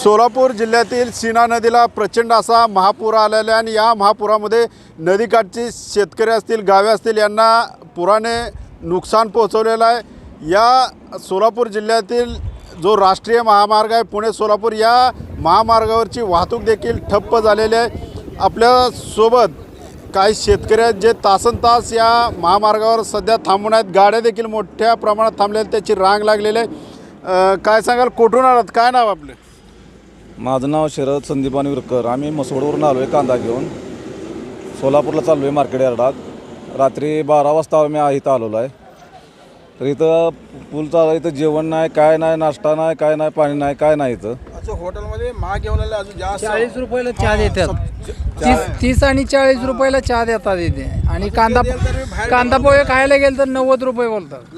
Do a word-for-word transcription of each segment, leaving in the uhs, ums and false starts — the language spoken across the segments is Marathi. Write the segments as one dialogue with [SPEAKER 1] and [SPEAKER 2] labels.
[SPEAKER 1] सोलापूर जिल्ह्यातील सीना नदीला प्रचंड असा महापूर आलेला आहे आणि या महापुरामध्ये नदीकाठची शेतकरी असतील, गावे असतील यांना पुराने नुकसान पोहोचवलेलं आहे। या सोलापूर जिल्ह्यातील जो राष्ट्रीय महामार्ग आहे पुणे सोलापूर, या महामार्गावरची वाहतूक देखील ठप्प झालेली आहे। आपल्या सोबत काही शेतकरी आहेत जे तासनतास या महामार्गावर सध्या थांबून आहेत। गाड्या देखील मोठ्या प्रमाणात थांबलेल्या, त्याची रांग लागलेली आहे। काय सांगाल, कुठून आलात, काय नाव आपलं?
[SPEAKER 2] माझं नाव शरद संदीपान विरकर। आम्ही मसवडवरून आलो आहे कांदा घेऊन, सोलापूरला चाललो आहे मार्केट यार्डात। रात्री बारा वाजता आम्ही इथं आलेलो आहे। तर इथं पूल चालू, इथं जेवण नाही, काय नाही, नाश्ता नाही, काय नाही, पाणी नाही, काय नाही। इथं
[SPEAKER 3] अच्छा, हॉटेलमध्ये महाग घेऊन आले अजून जास्त
[SPEAKER 4] चाळीस रुपयाला चहा देतात, तीस तीस आणि चाळीस रुपयाला चहा देतात इथे। आणि कांदा कांदा पोहे खायला गेलं तर नव्वद रुपये बोलतात।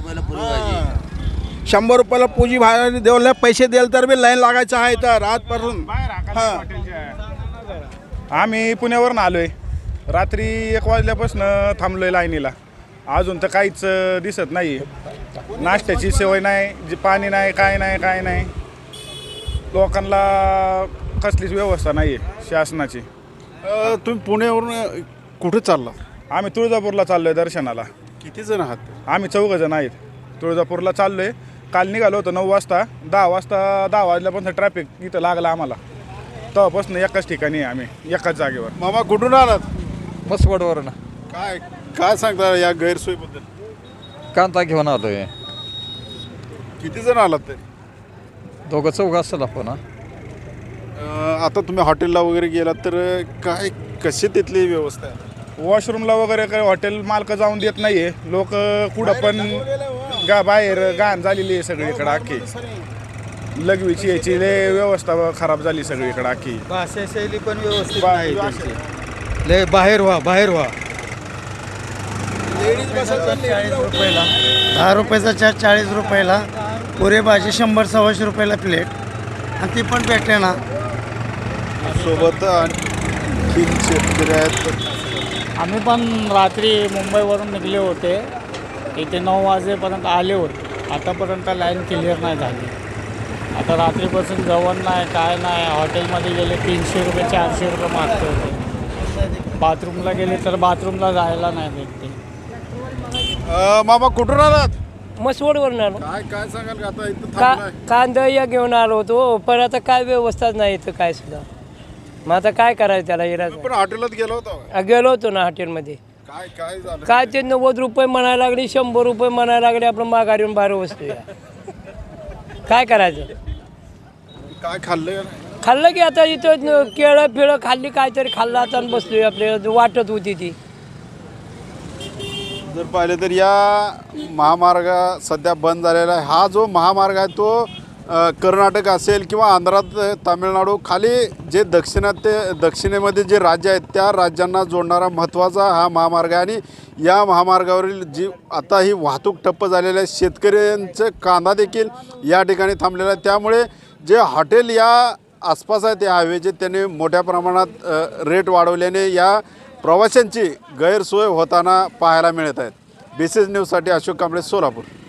[SPEAKER 3] शंभर रुपयाला पूजी बाहेर देवला पैसे द्याल तर बी लाईन लागायचं आहे तर आजपासून।
[SPEAKER 5] आम्ही पुण्यावरून आलोय, रात्री एक वाजल्यापासून थांबलोय लाईनीला, अजून तर काहीच दिसत नाही। नाश्त्याची सोय नाही, जे पाणी नाही, काय नाही, काय नाही। लोकांना कसलीच व्यवस्था नाही आहे शासनाची।
[SPEAKER 1] तुम्ही पुण्यावरून कुठे चालला?
[SPEAKER 5] आम्ही तुळजापूरला चाललोय दर्शनाला।
[SPEAKER 1] किती जण आहात?
[SPEAKER 5] आम्ही चौघ जण आहेत, तुळजापूरला चाललोय। काल निघालो होतो नऊ वाजता, दहा वाजता दहा वाजल्यापासून ट्रॅफिक इथं लागला आम्हाला, तेव्हापासून एकाच ठिकाणी आहे आम्ही, एकाच जागेवर।
[SPEAKER 1] मामा कुठून आलात?
[SPEAKER 4] मसवडवरून
[SPEAKER 1] काय काय सांगता या गैरसोयीबद्दल?
[SPEAKER 4] कांदा घेऊन आलोय।
[SPEAKER 1] किती जण आलात तरी?
[SPEAKER 4] दोघं चौघ असेल आपण।
[SPEAKER 1] अं, आता तुम्ही हॉटेलला वगैरे गेलात तर काय कशी तिथली व्यवस्था आहे?
[SPEAKER 5] वॉशरूमला वगैरे काही हॉटेल मालक जाऊन देत नाही आहे। लोक कुठं पण गा बाहेर घाण झालेली आहे सगळीकडे अख्खी। लघवीची याची लय व्यवस्था खराब झाली सगळीकडे अख्खी।
[SPEAKER 6] भाषा शैली पण व्यवस्थित
[SPEAKER 5] बा-
[SPEAKER 6] नाही त्यांची। लय बाहेर व्हा बाहेर व्हा। चाळीस रुपयाला दहा रुपयाचा चहा, चाळीस रुपयाला पुरे भाजी शंभर सव्वाशे रुपयाला प्लेट, आणि ती पण भेटते ना।
[SPEAKER 1] सोबत आणखी शेतकरी आहेत।
[SPEAKER 7] आम्ही पण रात्री मुंबईवरून निघले होते, इथे नऊ वाजेपर्यंत आले होते। आतापर्यंत लाईन क्लिअर नाही झाली। आता रात्रीपासून जेवण नाही, काय नाही। हॉटेलमध्ये गेले तीनशे रुपये चारशे रुपये मागते होते। बाथरूमला गेले तर बाथरूमला जायला नाही भेटते।
[SPEAKER 1] अं, मामा कुठून आलात?
[SPEAKER 8] मसवडवरून आलो।
[SPEAKER 1] काय काय सांगाल आता इथं
[SPEAKER 8] का
[SPEAKER 1] थांबलाय?
[SPEAKER 8] कांदा या घेऊन आलो होतो, पण आता काय व्यवस्थाच नाही इथं काय सुद्धा। मग आता काय करायचं त्याला इराज?
[SPEAKER 1] पण हॉटेलात गेलो होतो,
[SPEAKER 8] गेलो होतो ना हॉटेलमध्ये,
[SPEAKER 1] काय काय झालं?
[SPEAKER 8] काय ते नव्वद रुपये म्हणायला लागले, शंभर रुपये म्हणायला लागले, आपण माघारी येऊन बाहेर बसतोय। काय करायचं?
[SPEAKER 1] काय खाल्लं?
[SPEAKER 8] खाल्लं की आता इथं केळं फिळं खाल्ली, काहीतरी खाल्लं आता आणि बसलोय। आपल्याला वाटत होती ती।
[SPEAKER 1] जर पाहिलं तर या महामार्ग सध्या बंद झालेला आहे। हा जो महामार्ग आहे तो अ, कर्नाटक असेल किंवा आंध्रात, तामिळनाडू, खाली जे दक्षिणात ते दक्षिणेमध्ये जे राज्य आहेत त्या राज्यांना जोडणारा महत्त्वाचा हा महामार्ग आहे। आणि या महामार्गावरील जी आता ही वाहतूक ठप्प झालेली आहे, शेतकऱ्यांचं कांदा देखील या ठिकाणी थांबलेला आहे। त्यामुळे जे हॉटेल या आसपास आहेत त्या हायवेचे, त्याने मोठ्या प्रमाणात अ, रेट वाढवल्याने या प्रवाशांची गैरसोय होताना पाहायला मिळत आहेत। बी सी एस न्यूजसाठी अशोक कांबळे, सोलापूर।